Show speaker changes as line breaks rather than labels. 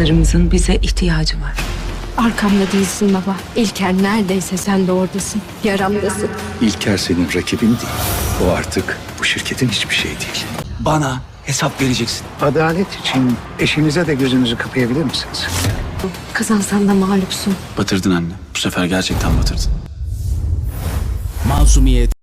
Kadınlarımızın bize ihtiyacı var.
Arkamda değilsin baba. İlker neredeyse sen de oradasın. Yaramdasın.
İlker senin rakibin değil. O artık bu şirketin hiçbir şey değil.
Bana hesap vereceksin.
Adalet için eşinize de gözünüzü kapayabilir misiniz?
Kazansan da mağlupsun.
Batırdın anne. Bu sefer gerçekten batırdın.
Masumiyet